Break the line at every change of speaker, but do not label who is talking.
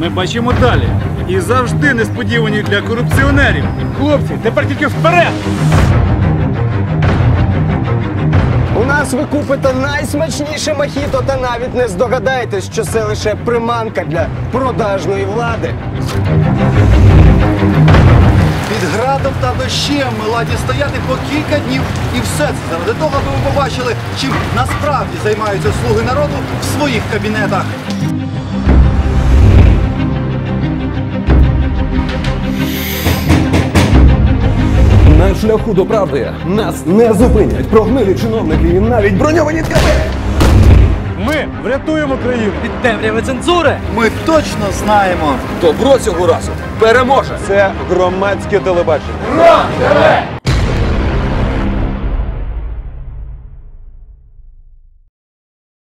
ми бачимо далі. І завжди несподівані для корупціонерів. Хлопці, тепер тільки вперед!
У нас ви купите найсмачніше мохіто та навіть не здогадаєтесь, що це лише приманка для продажної влади.
Під градом та дощем ми ладні стояти по кілька днів. І все це заради того, аби ви побачили, чим насправді займаються слуги народу в своїх кабінетах.
На шляху до правди нас не зупинять прогнилі чиновники і навіть броньовані ткани.
Ми врятуємо країну!
Від темряви цензури!
Ми точно знаємо.
Добро цього разу переможе.
Це громадське телебачення.
Ура!